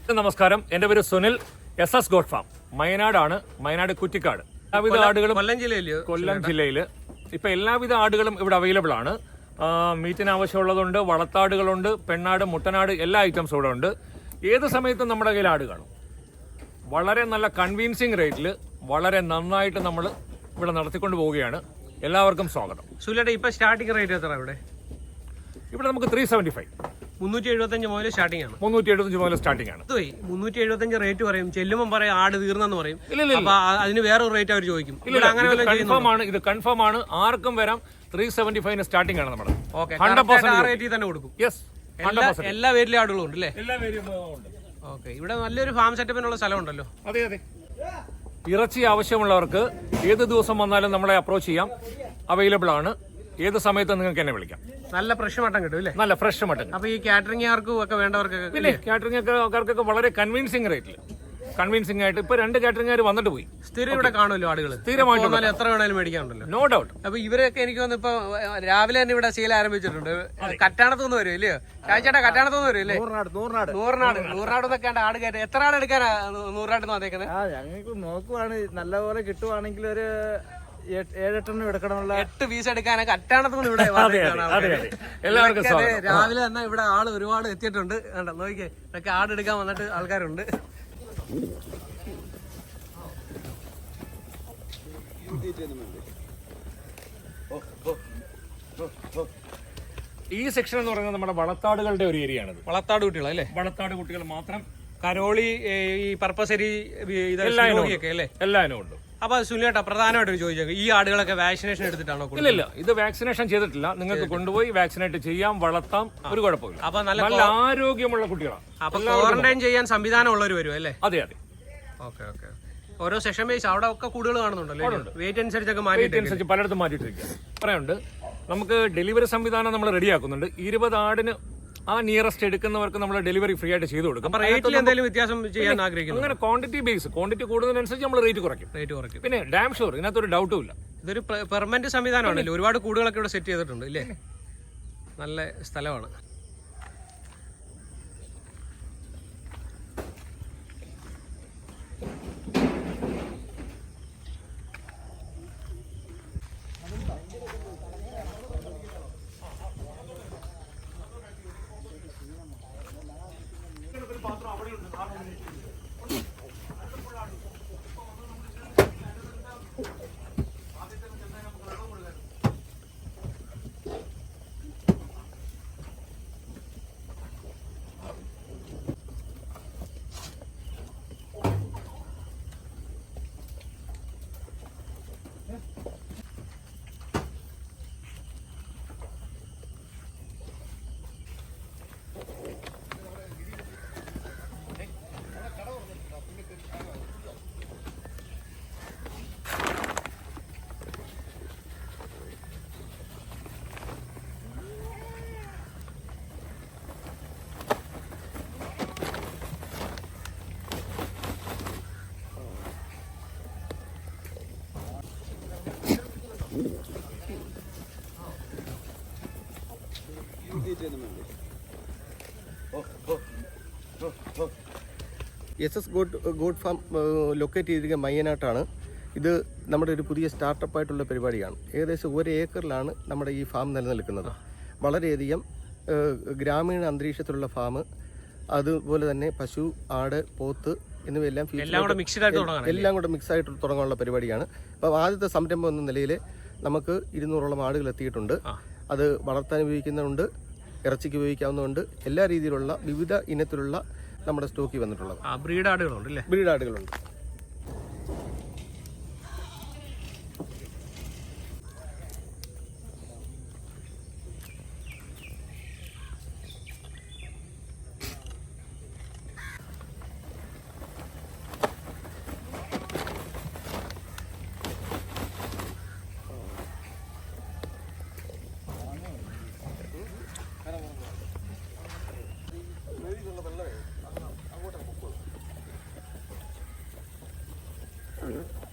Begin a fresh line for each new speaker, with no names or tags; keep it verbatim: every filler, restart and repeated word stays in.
നമസ്കാരം, എൻ്റെ പേര് Sunil. S S goat farm മയനാടാണ്. മയനാട് കുറ്റിക്കാട്. എല്ലാവിധ ആടുകളും
കൊല്ലം ജില്ലയിൽ
കൊല്ലം ജില്ലയിൽ ഇപ്പൊ എല്ലാവിധ ആടുകളും ഇവിടെ അവൈലബിൾ ആണ്. മീറ്റിന് ആവശ്യമുള്ളതുണ്ട്, വളർത്താടുകളുണ്ട്, പെണ്ണാട്, മുട്ടനാട്, എല്ലാ ഐറ്റംസും ഇവിടെ ഉണ്ട്. ഏത് സമയത്തും നമ്മുടെ കയ്യിൽ ആട് കാണും. വളരെ നല്ല കൺവീൻസിങ് റേറ്റിൽ വളരെ നന്നായിട്ട് നമ്മൾ ഇവിടെ നടത്തിക്കൊണ്ട് പോവുകയാണ്. എല്ലാവർക്കും സ്വാഗതം.
സുനിലേട്ടാ, ഇപ്പൊ സ്റ്റാർട്ടിംഗ് റേറ്റ് എത്ര ഇവിടെ?
ഇവിടെ നമുക്ക് ത്രീ സെവന്റി ഫൈവ്
മുന്നൂറ്റി എഴുപത്തഞ്ച് മുതൽ സ്റ്റാർട്ടിംഗ് ആണ്.
മുന്നൂറ്റി എഴുപത്തഞ്ച് മുതൽ സ്റ്റാർട്ടിംഗ് ആണ്.
മുന്നൂറ്റി എഴുപത്തഞ്ച് റേറ്റ് പറയും, ചെല്ലുമ്പോൾ പറയും ആട് തീർന്നെന്ന് പറയും.
ഇല്ല,
അപ്പൊ അതിന് വേറെ റേറ്റ് അവർ ചോദിക്കും.
അങ്ങനെ കൺഫേം ആണ്, ഇത് കൺഫേം ആണ്. ആർക്കും വരാം. ത്രീ സെവന്റി ഫൈവിന് സ്റ്റാർട്ടിംഗ് ആണ് നമ്മുടെ.
റേറ്റിൽ തന്നെ കൊടുക്കും.
യെസ്,
എല്ലാ വേരിലെ ആടുകളും ഉണ്ട് അല്ലേ?
എല്ലാ വേരിയബിളും ഉണ്ട്.
ഓക്കെ, ഇവിടെ നല്ലൊരു ഫാം സെറ്റപ്പിനുള്ള സ്ഥലം ഉണ്ടല്ലോ.
അതെ അതെ. ഇറച്ചി ആവശ്യമുള്ളവർക്ക് ഏത് ദിവസം വന്നാലും നമ്മളെ അപ്രോച്ച് ചെയ്യാം. അവൈലബിൾ ആണ്. ഏത് സമയത്തും നിങ്ങൾക്ക് എന്നെ വിളിക്കാം.
നല്ല ഫ്രഷ് മട്ടൻ കിട്ടും അല്ലേ?
നല്ല ഫ്രഷ് മട്ടൻ.
അപ്പൊ ഈ കാറ്ററിംഗുകാർക്കും ഒക്കെ വേണ്ടവർക്കൊക്കെ
പിന്നെ കാറ്ററിംഗുകാർക്കൊക്കെ വളരെ കൺവിൻസിംഗ് റേറ്റിൽ, കൺവിൻസിംഗ് ആയിട്ട് ഇപ്പൊ രണ്ട് കാറ്ററിംഗുകാർ വന്നിട്ട് പോയി.
സ്ഥിരം ഇവിടെ കാണുമല്ലോ ആളുകൾ.
സ്ഥിരമായിട്ട്
എത്ര വേണേലും മേടിക്കാനുണ്ടല്ലോ.
No doubt.
അപ്പൊ ഇവരൊക്കെ എനിക്ക് തോന്നുന്നു ഇപ്പൊ രാവിലെ തന്നെ ഇവിടെ ശീലം ആരംഭിച്ചിട്ടുണ്ട്. കറ്റാണത്തുനിന്ന് വരും ഇല്ലയോ? കാഴ്ചേട്ടാ, കറ്റാണത്തുനിന്ന് വരും അല്ലേ?
നൂറിനാട് നൂറിനാട്
നൂറിനാട് നൂറിനാട് എന്നൊക്കെ ആട് കയറ്റം. എത്ര ആട് എടുക്കാനാ നൂറിനാട് വന്നേക്കുന്നത്?
ഞങ്ങൾക്ക് നോക്കുവാണ്, നല്ലപോലെ കിട്ടുവാണെങ്കിൽ ഒരു ഏഴെട്ടെണ്ണം എടുക്കണമുള്ള
എട്ട് പീസ് എടുക്കാനൊക്കെ കറ്റാണത്തുനിന്ന് ഇവിടെ
എല്ലാവർക്കും
രാവിലെ തന്നെ ഇവിടെ ആള് ഒരുപാട് എത്തിയിട്ടുണ്ട്. കണ്ടോ, നോക്കിയേ, ഇതൊക്കെ ആട് എടുക്കാൻ വന്നിട്ട് ആൾക്കാരുണ്ട്.
ഈ സെക്ഷൻ എന്ന് പറയുന്നത് നമ്മുടെ വളർത്താടുകളുടെ ഒരു ഏരിയ ആണ്.
വളർത്താട് കുട്ടികൾ അല്ലേ?
വളർത്താട് കുട്ടികൾ മാത്രം.
കരോളി, ഈ പർപ്പസരി,
എല്ലാ ഇനവും ഉണ്ട്.
അപ്പൊ സുനിലേട്ടാ, പ്രധാനമായിട്ട് ചോദിച്ചേക്കും, ഈ ആടുകളൊക്കെ വാക്സിനേഷൻ എടുത്തിട്ടാണോ?
ഇല്ല ഇല്ല, ഇത് വാക്സിനേഷൻ ചെയ്തിട്ടില്ല. നിങ്ങൾക്ക് കൊണ്ടുപോയി വാക്സിനേറ്റ് ചെയ്യാം, വളർത്താം, ഒരു കുഴപ്പമില്ല.
അപ്പൊ നല്ല
ആരോഗ്യമുള്ള കുട്ടികളാണ്.
അപ്പൊ ക്വാറന്റൈൻ ചെയ്യാൻ സംവിധാനം ഉള്ളവർ വരും അല്ലേ?
അതെ അതെ.
Okay okay. ഓരോ സെഷൻ ബേസ് അവിടെ ഒക്കെ കൂടുതൽ കാണുന്നുണ്ടല്ലോ. വെയിറ്റ് അനുസരിച്ചൊക്കെ മാറ്റി
പലയിടത്തും മാറ്റിയിട്ടിരിക്കുക. പറയുന്നുണ്ട്, നമുക്ക് ഡെലിവറി സംവിധാനം നമ്മൾ റെഡിയാക്കുന്നുണ്ട്. ഇരുപത് ആടിന് ആ നിയറസ്റ്റ് എടുക്കുന്നവർക്ക് നമ്മൾ ഡെലിവറി ഫ്രീ ആയിട്ട് ചെയ്തു കൊടുക്കും.
റേറ്റിൽ എന്തെങ്കിലും വ്യത്യാസം ചെയ്യാൻ ആഗ്രഹിക്കുന്നു?
അങ്ങനെ ക്വാണ്ടിറ്റി ബേസ്, ക്വാണ്ടിറ്റി കൂടുന്നതിനനുസരിച്ച് നമ്മൾ റേറ്റ് കുറയ്ക്കും.
റേറ്റ് കുറയ്ക്കും.
പിന്നെ ഡാം ഷുവർ, ഇതിനകത്തൊരു ഡൗട്ടും ഇല്ല.
ഇതൊരു പെർമനന്റ് സംവിധാനമാണല്ലോ. ഒരുപാട് കൂടുകളൊക്കെ ഇവിടെ സെറ്റ് ചെയ്തിട്ടുണ്ട് ഇല്ലേ? നല്ല സ്ഥലമാണ്.
S S goat goat farm locate ചെയ്തിരിക്കുന്ന മയ്യനാട്ടാണ്. ഇത് നമ്മുടെ ഒരു പുതിയ സ്റ്റാർട്ടപ്പായിട്ടുള്ള പരിപാടിയാണ്. ഏകദേശം ഒരു ഏക്കറിലാണ് നമ്മുടെ ഈ ഫാം നിലനിൽക്കുന്നത്. വളരെയധികം ഗ്രാമീണ അന്തരീക്ഷത്തിലുള്ള ഫാം, അതുപോലെ തന്നെ പശു, ആട്, പോത്ത് എന്നിവയെല്ലാം എല്ലാം കൂടെ മിക്സ് ആയിട്ട് തുടങ്ങാനുള്ള പരിപാടിയാണ്. അപ്പോൾ ആദ്യത്തെ സംരംഭം എന്ന നിലയിൽ നമുക്ക് ഇരുന്നൂറോളം ആടുകൾ എത്തിയിട്ടുണ്ട്. അത് വളർത്താൻ ഉപയോഗിക്കുന്നുണ്ട്, ഇറച്ചിക്ക് ഉപയോഗിക്കാവുന്നതുണ്ട്. എല്ലാ രീതിയിലുള്ള വിവിധ ഇനത്തിലുള്ള നമ്മുടെ സ്റ്റോക്കിൽ വന്നിട്ടുള്ളത്
ബ്രീഡ് ആടുകളുണ്ട്.
ബ്രീഡ് ആടുകളുണ്ട്.
അങ്ങോട്ട്